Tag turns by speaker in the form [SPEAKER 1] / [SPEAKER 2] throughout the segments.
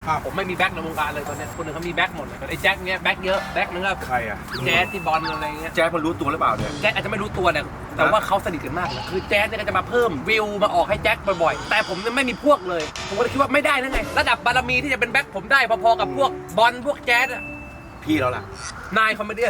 [SPEAKER 1] ผมไม่มีแบ็คในวงการเลยตอนนี้คนอื่นเขามีแบ็คหมดเลยไอ้แจ็คเนี้ยแบ็คเยอะแบ็คนึงก็
[SPEAKER 2] ใครอ่ะ
[SPEAKER 1] แจ๊สที่บอลอะไรเงี้ย
[SPEAKER 2] แจ๊คมันรู้ตัวหรือเปล่าเนี่ย
[SPEAKER 1] แจ็คอาจจะไม่รู้ตัวเนี่ยแต่ว่าเขาสนิทกันมากนะคือแจ๊สเนี่ยก็จะมาเพิ่มวิวมาออกให้แจ็คบ่อยๆแต่ผมเนี่ยไม่มีพวกเลยผมก็เลยคิดว่าไม่ได้นั่นไงระดับบารมีที่จะเป็นแบ็คผมได้พอๆกับพวกบอลพวกแจ๊สอะ
[SPEAKER 2] พี่แล้วล่ะ
[SPEAKER 1] นายคอมเมเดี้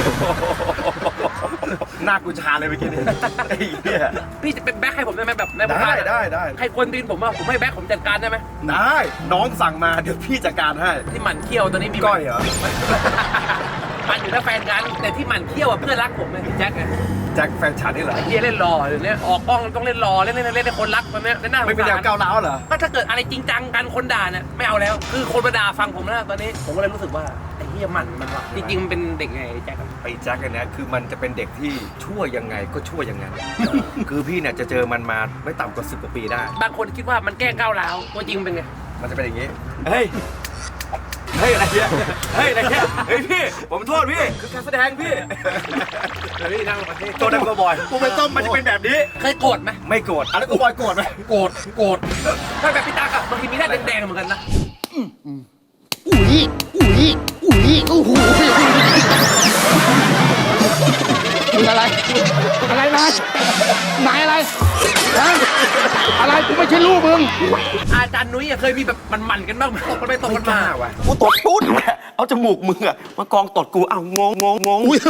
[SPEAKER 2] หน้ากูชาเลยเมื่อกี้นี่ไอ้เหี้ย
[SPEAKER 1] พี่จะเป็นแบ็คให้ผมได้ไหมแบบในวง
[SPEAKER 2] ได้
[SPEAKER 1] การ
[SPEAKER 2] ได้
[SPEAKER 1] ใครควรตีนผมว่าผมให้แบ็คผมจัดการได้ไหม
[SPEAKER 2] ได้น้องสั่งมาเดี๋ยวพี่จัดการให้
[SPEAKER 1] ที่หมั่นเขี้ยวตอนนี้มี
[SPEAKER 2] ก้อยเหรอ
[SPEAKER 1] มันอยู่แล้วแฟนกันแต่ที่หมั่นเขี้ยวอะเพื่อนรักผมไงพี่แจ็คไง
[SPEAKER 2] แจ็คแฟนฉันนี่เหรอ
[SPEAKER 1] ไอ้เหี้ยเล่นรอเดี๋ยวนี้ออกกล้องต้องเล่นรอเล่นให้คนรักตอนนี้เล่นหน้าสงสาร
[SPEAKER 2] ไม่เป็นแนวก้าวร้าวเหรอ
[SPEAKER 1] ก็ถ้าเกิดอะไรจริงจังกันคนด่าเนี่ยไม่เอาแล้วคือคนมาด่าฟังผมแล้วตอนนี้ผมก็เลยรู้สึกว่าไอ้เหี้ยมันว่ะจริงๆมันเป็นเด็กไงไอ้แจ็คอะ
[SPEAKER 2] ไอ้แจ็คอันเนี้ยคือมันจะเป็นเด็กที่ชั่วยังไงก็ชั่วยังไง คือพี่เนี่ยจะเจอมันมาไม่ต่ำกว่า10 กว่าปีได้
[SPEAKER 1] บางคนคิดว่ามันแกล้งก้าวร้าวตัวจริงมันเป็นไง
[SPEAKER 2] มันจะเป็นอย่างนี้ เฮ้ย เฮ้ยอะไรเนี่ยเฮ้ยอะไรเนี่ยเฮ้ยพี่ ผมโทษพี่ คือการแสดงพี่
[SPEAKER 1] เฮ้ยนั่งประเทศ
[SPEAKER 2] ตัวนั้นก็บอยกูเป็นต้มมันจะเป็นแบบนี้
[SPEAKER 1] เคยโกรธไหม
[SPEAKER 2] ไม่โกรธอะไรกูบอยโกรธไหม
[SPEAKER 1] โกรธถ้าแบบพี่ตากอะบางทีมีหน้าแดงๆเหมือนกันนะ
[SPEAKER 3] อุ๊ยโอ้โหมึงอะไร อะไรนายนายอะไรฮะอะไรกูไม่ใช่ลูกมึง
[SPEAKER 1] อาจารย์นุ้ยอะเคยมีแบบมันกันบ้างไหมตกกันไปตกกันมา
[SPEAKER 2] ว่ะกูตดปุ๊ดเอาจมูกมึงอะมากองตดกูเอางง
[SPEAKER 3] อุ๊ย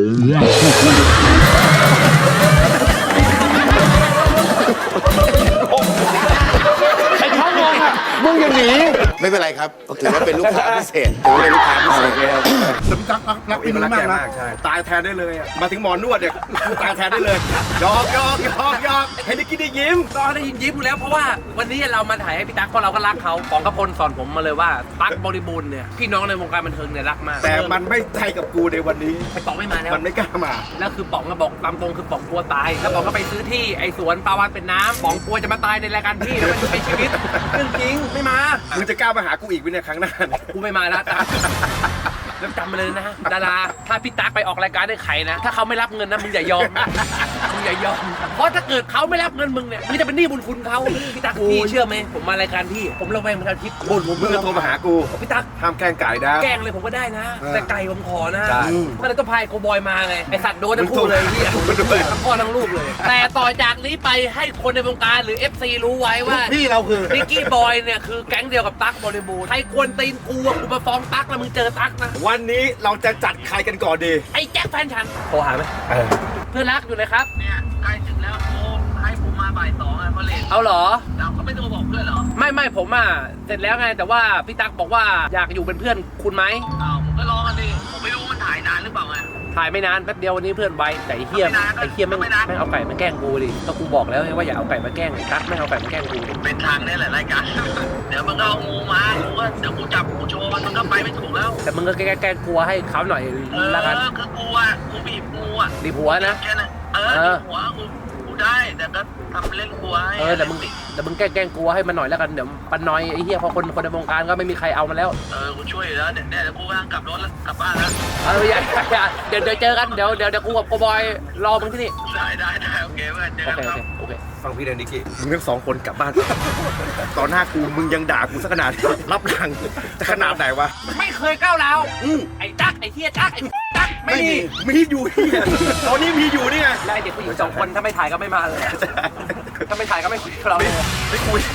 [SPEAKER 3] ไอ้ท้องงงอ่ะมึงอย่างหนีไม่เป็นไรครับถือว่าเป็นลูกค้าพิเศษถือว่าเป็นลูกค้าพิเศษ
[SPEAKER 2] รักพี่มันมากใช่ตายแทนได้เลยอะมาถึงหมอนวดเนี่ยกูตายแทนได้เลยยอกให้นิกกี้ได้ยิ้ม
[SPEAKER 1] ก็ได้ยินยิ้มอยู่แล้วเพราะว่าวันนี้เรามาถ่ายให้พี่ตั๊กเพราะเราก็รักเขาของกระพลสอนผมมาเลยว่าตั๊กบริบูรณ์เนี่ยพี่น้องในวงการบันเทิงเนี่ยรักมาก
[SPEAKER 2] แต่มันไม่ใจกับกูในวันนี้
[SPEAKER 1] ไอ้ป๋องไม่มาแล้ว
[SPEAKER 2] มันไม่กล้ามา
[SPEAKER 1] แล้วคือป๋องก็บอกตามตรงคือป๋องกลัวตายแล้วป๋องก็ไปซื้อที่ไอ้สวนปลาวานเป็นน้ำป๋องกลัวจะมาตายในรายการพี่แล้วมันจะเป็นชีวิตเรื่องจริงไม่มา
[SPEAKER 2] มึงจะกล้ามาหากูอีกไหมเนี่ยครั้งหน้าเนี่ย
[SPEAKER 1] กูไม่มาแล้วตั๊กแล้วจำมาเลยนะดาราถ้าพี่ตั๊กไปออกรายการได้ใครนะถ้าเขาไม่รับเงินนะมึงอย่ายอมมึงอย่ายอมเพราะถ้าเกิดเขาไม่รับเงินมึงเนี่ยมึงจะเป็นหนี้บุญคุณเขาพี่ตั๊กพี่เชื่อไหมผมมารายการพี่ผมระแวงเหมือนกันทิพย์บ่นผม
[SPEAKER 2] มึงก็โทรมาหากู
[SPEAKER 1] พี่ตั๊ก
[SPEAKER 2] ห้ามแกล้งไก่นะ
[SPEAKER 1] แกล้งเลยผมก็ได้นะ แต่ไก่ผมขอนะ
[SPEAKER 2] ใช่
[SPEAKER 1] ก็เลยต้องพายโกบอยมาไงไอสัตว์โดนทั้งคู่เลยพี่
[SPEAKER 2] มึงด้วย
[SPEAKER 1] ทั้งพ่อทั้งลูกเลย แต่ต่อจากนี้ไปให้คนในวงการหรือ FC รู้ไว้ว่า
[SPEAKER 3] พี่เราคือ
[SPEAKER 1] นิกกี้บอยเนี่ยคือแก๊งเดียวกับตั๊กบริบูรณ์ใครควรตีนกูอะกูมาฟ้องตั๊กแล้วมึงเจอตั๊กนะ
[SPEAKER 2] วันนี้เราจะจัดใครกันก่อนดี
[SPEAKER 1] ไอ้แจ็คแฟนฉันโทรหาไหมเพื่อนรักอยู่เลยครับ
[SPEAKER 4] เนี่ยใกล้ถึงแล้วโทรให้ผมมาบ่าย2อ่ะเพราะเลน
[SPEAKER 1] เอาเหรอ
[SPEAKER 4] เราก็ไม่โทรบอกเพื่อนเหรอ
[SPEAKER 1] ไม่ผมอ่ะเสร็จแล้วไงแต่ว่าพี่ตั๊กบอกว่าอยากอยู่เป็นเพื่อนคุณไหม
[SPEAKER 4] อ้าวผมก็รอกันดิผมไม่รู้มันถ่ายนานหรือเปล่าไง
[SPEAKER 1] ถ่ายไม่นานแป๊บเดียววันนี้เพื่อนไวแต่ไอ้เฮีย
[SPEAKER 4] ไม่นาน
[SPEAKER 1] ไอ้เฮียแม่ง
[SPEAKER 4] ไม่นาน
[SPEAKER 1] แม่งเอาไก่มาแกล้งกูดิก็กูบอกแล้วไงว่าอย่าเอาไก่มาแกล้งไอ้ตั๊กไม่งเอาไก่มาแกล้งกูดิ
[SPEAKER 4] เป็นทางนี่แหละรายการ เดี๋ยวมันก็เอางูมากูก็เดี๋ยวกูจับกูโชว์มันก็ไปไม่ถูกแล้ว
[SPEAKER 1] แต่มึงก็แกล้งกลัวให้เขาหน่อยละกัน
[SPEAKER 4] คือกูอ่ะกูบีบงูอ่ะ
[SPEAKER 1] ดีผัวนะ
[SPEAKER 4] แค่นั้นบีบหัวกูได้แต่ก็ทำเล่นกลัวให้
[SPEAKER 1] แต่มึงแกล้งกลัวให้มันหน่อยแล้วกันเดี๋ยวปันน้อยไอ้เหี้ยพอคนในวงการก็ไม่มีใครเอามาแล้ว
[SPEAKER 4] กูช่วยอยู่แล้วเนี่ยเดี๋ยวกูกำลังกลับรถแล้วกลับบ้านแล้ว
[SPEAKER 1] อย่าเดี๋ยวเจอกันเดี๋ยวกูกับโกบอยรอมึงที่นี่
[SPEAKER 4] ได้โอเคเพื่อนเจอ
[SPEAKER 1] โอ
[SPEAKER 4] กัน
[SPEAKER 1] เค
[SPEAKER 4] ครับ
[SPEAKER 1] โอเค
[SPEAKER 2] ฟังพี่เดนนิกกี้มึงทั้งสองคนกลับบ้าน ตอนหน้ากูมึงยังด่ากูสักขนาดนี้รับหลังจะขนาดไหนวะ
[SPEAKER 1] ไม่เคยก้าวร้าวไอ้ตั๊กไอ้เหี้ยตั๊กไอ้ตั๊กไม่มี
[SPEAKER 2] มีอยู่ที่ตอนนี้มีอยู่นี่ไง
[SPEAKER 1] แล้วไอ้เด็กผู้หญิง2 คนถ้าไม่ถ่ายก็ไม่มาเลยถ้าไม่ถ่ายก็ไม่คุยกับเราเลย
[SPEAKER 2] ไม่คุย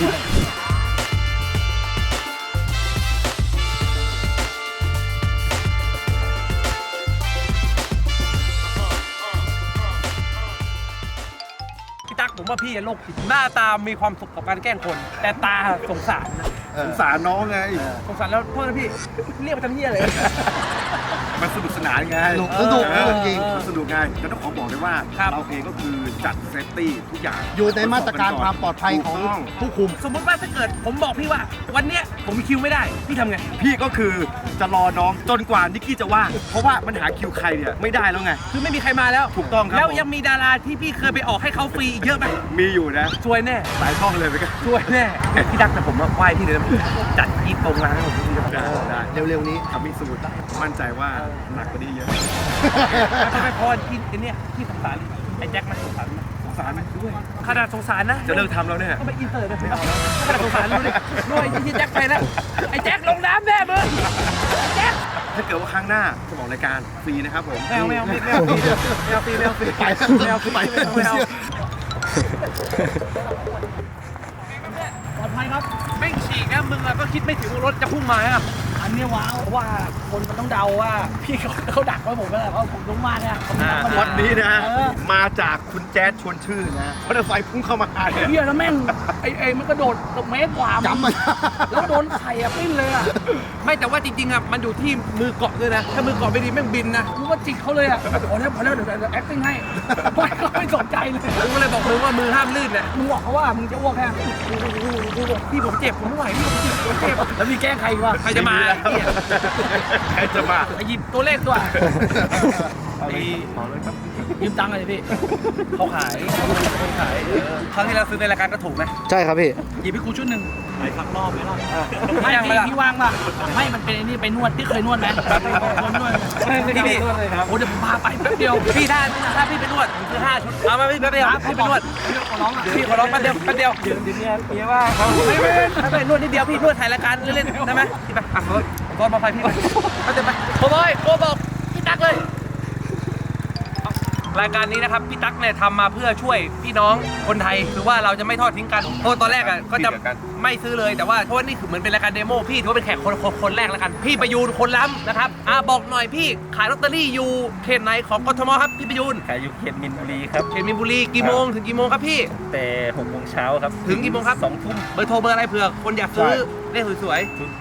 [SPEAKER 1] พี่ตั๊กผมว่าพี่โรคจิตหน้าตามีความสุขกับการแกล้งคน แต่ตาสงสารนะ
[SPEAKER 2] สงสารน้องไง
[SPEAKER 1] สงสารแล้วโทษนะพี่เรียกมาทำเหี้ยเลย
[SPEAKER 2] มันสนุกสนานไง
[SPEAKER 3] สนุกจริง
[SPEAKER 2] สนุกไงก็ต้องขอบอกเลยว่า
[SPEAKER 1] ครับ
[SPEAKER 2] เราเองก็คือจัดเซฟตี้ทุกอย่าง
[SPEAKER 3] อยู่ในมาตรการความปลอดภัยของผู้คุม
[SPEAKER 1] สมมติว่าถ้าเกิดผมบอกพี่ว่า วันเนี้ยผมมีคิวไม่ได้พี่ทำไง
[SPEAKER 2] พี่ก็คือจะรอน้องจนกว่านิกกี้จะว่างเพราะว่ามันหาคิวใครเนี่ยไม่ได้แล้วไง
[SPEAKER 1] คือไม่มีใครมาแล้ว
[SPEAKER 2] ถูกต้องครับ
[SPEAKER 1] แล้ว
[SPEAKER 2] ผม
[SPEAKER 1] ยังมีดาราที่พี่เคยไปออกให้เขาฟรีอีกเยอะไหม
[SPEAKER 2] มีอยู่นะ
[SPEAKER 1] ช่วยแน่
[SPEAKER 2] หลายช่องเลยไปกัน
[SPEAKER 1] ช่วยแน่พี่ตั๊กแต่ผมว่าไหว้พี่เลยนะจัดที่ตรงร้านของพี่
[SPEAKER 2] ได้
[SPEAKER 3] เร็วๆนี้
[SPEAKER 2] ทำมิสูตรมั่นใจว่าหนักกว่านี้เยอะ
[SPEAKER 1] ทำไมพอที่เนี่ยที่สงสารไอ้แจ็คไหมสงสารไหม
[SPEAKER 2] สสารด้วย
[SPEAKER 1] ขนาดสงสารนะ
[SPEAKER 2] จะเลิกทำแล้วเนี่ย
[SPEAKER 1] ก็ไปอินเตอร์เลยขนาดสงสารดูดิด้วยที่แจ็คไปแล้วไอ้แจ็คลงน้ำแน่มึงแจ็ค
[SPEAKER 2] ถ้าเกิดว่าครั้งหน้าจะบอกรายการฟรีนะครับผม
[SPEAKER 1] แมวไปปลอดภัยครับไม่ฉีกนะมึงอะก็คิดไม่ถึงว่ารถจะพุ่งมาครับอันนี้ว้าวเพราะว่าคนมันต้องเดาว่าพี่เขาดักไว้ผมก็แล้วเพราะผมลงมาเนี่ย
[SPEAKER 2] วันนี้นะมาจากคุณแจ๊ดชวนชื่อนะมอเตอร์ไซค์พุ่งเข้ามาเนี่ย
[SPEAKER 1] เฮียแล้วแม่งไอ้มันกระโดดเมตรกว่าจำมันแล้วโดนไข่อะปิ้นเลยอะไม่แต่ว่าจริงๆอะมันอยู่ที่มือเกาะด้วยนะถ้ามือเกาะไม่ดีแม่งบินนะกูก็จิกเขาเลยอะพอแล้วเดี๋ยว acting ให้ไม่สนใจเลยกูก็เลยบอกมึงว่ามือห้ามลื่นเนี่ยมึงบอกเขาว่ามึงจะอ้วกแค่กูบอกพี่ผมเจ็บผมไม่ไหวพี่ผมเจ็บแล้วมีแกล้งใครวะใครจะมา
[SPEAKER 2] ใครจะมา
[SPEAKER 1] หยิบตัวเลขด้วยยืมตังค์เลยพี่เขาขายครั้งที่เราซื้อในรายการก็ถูกนะ
[SPEAKER 3] ใช่ครับพี่
[SPEAKER 1] หยิบให้กูชุดหนึ่งไปพักรอบไหมล่ะไม่พี่ว่างป่ะไม่มันเป็นไอ้นี่ไปนวดที่เคยนวดไหมนวดพี่โอ้เดี๋ยวผมพาไปแป๊บเดียวพี่ถ้าพี่ไปนวดคือ5 ชุดเอามาพี่แป๊บเดียวพี่ไปนวดขอร้องพี่ขอร้องแป๊บเดียวเดี๋ยวเนี่ยว่าไม่ไปนวดนิดเดียวพี่นวดถ่ายรายการเล่นๆได้ไหมพี่ไปอ่ะรถมาไฟพี่ไปไปโอ้ยโกบอกพี่ตั๊กเลยรายการนี้นะครับพี่ตั๊กเนี่ยทำมาเพื่อช่วยพี่น้องคนไทยคือว่าเราจะไม่ทอดทิ้งกันเพราะตอนแรกอ่ะก็จะไม่ซื้อเลยแต่ว่าเพราะว่านี่คือเหมือนเป็นรายการเดโมพี่ถือว่าเป็นแขกคนแรกแล้วกันพี่ประยูนคนล้ำนะครับบอกหน่อยพี่ขายลอตเตอรี่อยู่เขตไหนของกทมครับพี่ประยูน
[SPEAKER 5] ขายอยู่เขตมินบุรีครับ
[SPEAKER 1] เขตมีนบุรีกี่โมงถึงกี่โมงครับพี่
[SPEAKER 5] แต่6 โมงเช้าครับ
[SPEAKER 1] ถึงกี่โมงครับ
[SPEAKER 5] 2 ทุ่ม
[SPEAKER 1] เบอร์โทรเบอร์อะไรเผื่อคนอยากซื้อเลขสวย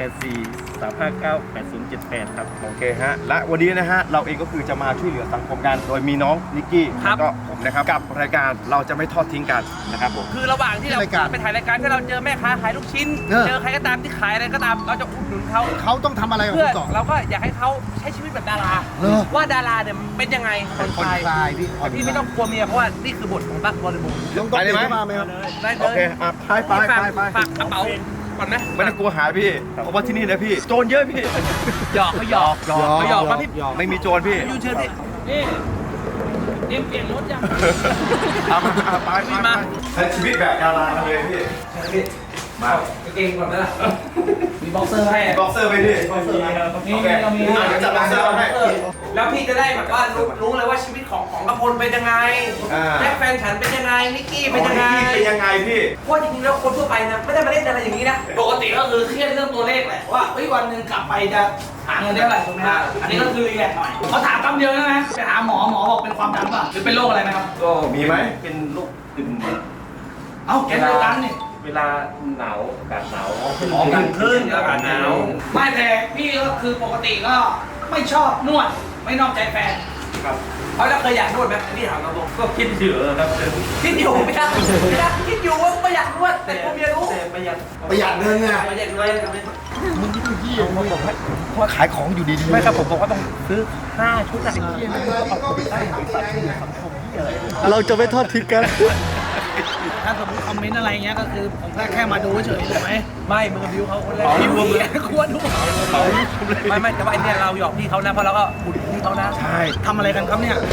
[SPEAKER 5] 084-359-8078 ครับ
[SPEAKER 2] โอเคฮะและวันนี้นะฮะเราเองก็คือจะมาช่วยเหลือสังคมกันโดยมีน้องนิกกี้แล้วก็ผมนะครับกับรายการเราจะไม่ทอดทิ้งกันนะครับผม
[SPEAKER 1] ๆคือระหว่างที่เราไปถ่ายรายการที่เราเจอแม่ค้าขายลูกชิ้นเจอใครก็ตามที่ขายอะไรก็ตามเราจะอุดหนุนเขา
[SPEAKER 3] เขาต้องทำอะไรกับ
[SPEAKER 1] เพื่อ
[SPEAKER 3] คุณต่อ
[SPEAKER 1] เราก็อยากให้เขาใช้ชีวิตแบบดารา ว่าดาราเนี่ยเป็นยังไงคน
[SPEAKER 3] ผ่อน
[SPEAKER 1] ไทย
[SPEAKER 3] คลายพี่
[SPEAKER 1] แต่พี่ไม่ต้องกลัวเมียเพราะว่านี่คือบทของตั๊กบริบูรณ์
[SPEAKER 3] ต้อง
[SPEAKER 2] ไปเลยไหม
[SPEAKER 3] มาไหมครับ
[SPEAKER 1] ได้เล
[SPEAKER 2] โอย เคอ่ะไป
[SPEAKER 1] ฝากกระเป๋าก่อนนะ
[SPEAKER 2] ไม่ต้องกลัวหายพี่เพราะว่าที่นี่นะพี่โจรเยอะพี่
[SPEAKER 1] หยอกเขาหยอกเขาหยอกมาพี่
[SPEAKER 2] ไม่มีโจรพี่
[SPEAKER 1] ยูเชิญพี่นี่เตรียมเปลี่ยนรถยัง
[SPEAKER 2] เอามาไป
[SPEAKER 1] มา
[SPEAKER 2] ใช้ชีวิตแบบดาราเลยพี่มา
[SPEAKER 1] เก่งก่อนนะล่ะมีบ็อกเซอร์ให้
[SPEAKER 2] บ็อกเซอร์ไปพี่
[SPEAKER 1] มี
[SPEAKER 2] โอเค
[SPEAKER 1] มี
[SPEAKER 2] เดี๋ยวจัดบ็อกเซอร์ให้
[SPEAKER 1] แล้วพี่จะได้แบบว่ารู้เลยว่าชีวิตของกระพลเป็นยังไงแจ็คแฟนฉันเป็นยังไงนิกกี้เป็นยังไง
[SPEAKER 2] เป็นยังไงพี่
[SPEAKER 1] เพราะจริงๆแล้วคนทั่วไปนะไม่ได้มาเล่นอะไรอย่างนี้นะปกติก็คือเครียดเรื่องตัวเลขแหละว่าวันหนึ่งกลับไปจะหาเงินได้เท่าไหร่ถูกไหมฮะอันนี้ก็คือรีแลกซ์หน่อยเขาถามคำเดียวนะไปหาหมอบอกเป็นความดันป่ะหรือเป็นโรคอะไรไหมครับ
[SPEAKER 5] ก็
[SPEAKER 2] มีไหม
[SPEAKER 5] เป็นโรคกึ่ง
[SPEAKER 1] เอ้าแกเป็นตันนี่
[SPEAKER 5] เวลาหนาวอากาศหนาว
[SPEAKER 1] อากาศหนาวไม่แต่พี่ก็คือปกติก็ไม่ชอบนวดไม่นอกใจแฟน
[SPEAKER 5] ครับ
[SPEAKER 1] เพราะเราเคยอยากนวดไหมพี่ถามเราตรง
[SPEAKER 5] ก็คิดอยู่ครับ
[SPEAKER 1] คิดอยู่ไม่ได้คิดอยู่ว่าไม่อยากนวดแต่ผมอยากรู้
[SPEAKER 5] แต่ประหยัด
[SPEAKER 3] ประหยัดเงินไง
[SPEAKER 1] ไม่อยากนวด
[SPEAKER 3] ว่าขายของอยู่ดีๆ
[SPEAKER 1] ไม่ครับผมบอกว่าต้องซื้อ5 ชุดอะ
[SPEAKER 3] เราจะไม่ทอดทิ้งกัน
[SPEAKER 1] ถ้าสมมติคอมเมนต์อะไรเงี้ยก็คือผมแค่มาดูเฉยถูกไหมไม่มึงกับบิวเขาคนแรกบิวควรดูไม่แต่ว่าไอเนี่ยเราหยอกพี่เขานะเพราะเราก็อุดพี่เขานะใช่ทำอะไรกันครับเนี่ย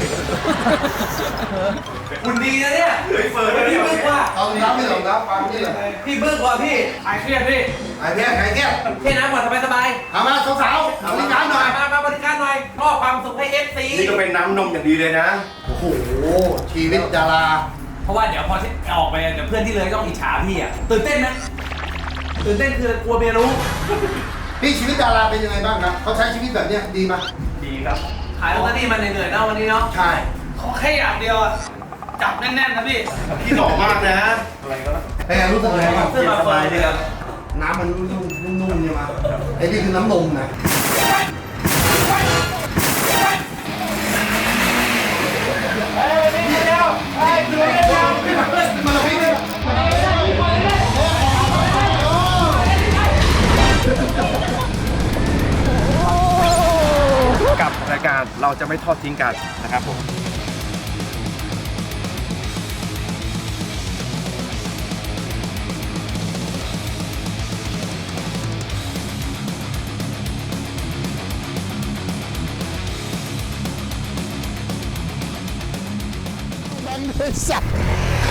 [SPEAKER 1] คุณดีนะเนี่ยพี่บึ้งว่า
[SPEAKER 3] เอาน้ำไม่หลงน้ำฟังนี่เลย
[SPEAKER 1] พี่บึ้งว่าพี่หายเครียดพี่
[SPEAKER 3] ไอ้เนี่ยไอ้เนี่ย
[SPEAKER 1] เท่น้ำก่อนสบาย
[SPEAKER 3] เอามาสาวๆเอาบริการหน่อย
[SPEAKER 1] มาบริการหน่อยมอบความสุขให้ FC
[SPEAKER 2] นี่ก็เป็นน้ำนมอย่างดีเลยนะ
[SPEAKER 3] โอ้โห ชีวิตดารา
[SPEAKER 1] เพราะว่าเดี๋ยวพอที่ออกไปเดี๋ยวเพื่อนที่เลยต้องอิจฉาพี่อ่ะตื่นเต้นไหมตื่นเต้นคือกลัวเมียรู้
[SPEAKER 3] พี่ชีวิตดาราเป็นยังไงบ้างครับเขาใช้ชีวิตแบบเนี้ยดีไหม
[SPEAKER 5] ดีครับ
[SPEAKER 1] ขายลอตเตอรี่มันเหนื่อยๆเนาะวันนี้เนาะ
[SPEAKER 3] ใช่
[SPEAKER 1] ขอแค่อย่างเดียวอะจับแน่นๆนะพี่
[SPEAKER 2] พี่หล่อมากนะ
[SPEAKER 3] เป็นไงรู้สึกไงบ้าง
[SPEAKER 1] เสื้อมาเฟิร์นเลย
[SPEAKER 3] น้ำมันนุ่มๆเนี่ยมาไอ้นี่คือน้ำนมนะ
[SPEAKER 2] กับรายการเราจะไม่ทอดทิ้งกันนะครับผม
[SPEAKER 3] แบงค์เลยสัตว์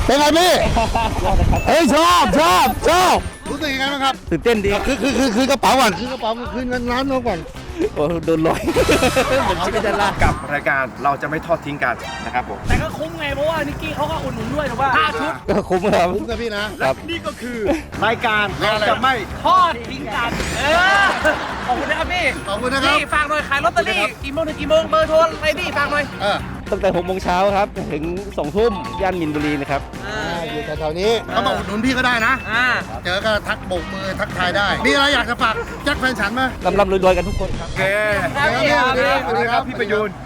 [SPEAKER 3] เป็นไงพี่เฮ้ยชอบรู้สึกยังไงบ้างครับ
[SPEAKER 6] ตื่นเต้นดี
[SPEAKER 3] คือกระเป๋าก่อนคือกระเป๋าคืนเงินล้านน้องก่อน
[SPEAKER 6] โอ้โดนลอยเหมือนชิคกี้พายละ
[SPEAKER 2] กับรายการเราจะไม่ทอดทิ้งกันนะครับผม
[SPEAKER 1] แต่ก็คุ้มไงเพราะว่านิกกี้เขาก็อุดหนุนด้วยถูกป่ะ5 ชุด
[SPEAKER 6] ก็คุ้มครับ
[SPEAKER 3] คุ้มกับพี่นะ
[SPEAKER 6] ครับ
[SPEAKER 2] นี่ก็คือรายการเราจะไม่
[SPEAKER 1] ทอดทิ้งกันขอบคุณนะครับพี่
[SPEAKER 3] ขอบคุณนะครับ
[SPEAKER 1] พี่ฝากหน่อยขายลอตเตอรี่กี่โมงถึงกี่โมงเบอร์โทรอะไรพี่ฝากหน่อย
[SPEAKER 6] ตั้งแต่6 โมงเช้าครับ ถึง 2 ทุ่มย่านมินบุรีนะครับ
[SPEAKER 3] อยู่แถวๆนี้เขามาอุดหนุนพี่ก็ได้นะ เจอก็ทักโบกมือทักทายได้ มีอะไรอยากจะฝากแจ็คแฟนฉันไหม
[SPEAKER 6] ร่ำรวยๆกันทุกคนครับ
[SPEAKER 2] โอเค
[SPEAKER 1] ครับพี่
[SPEAKER 3] สวัสดีครับ
[SPEAKER 2] พี่ประยูน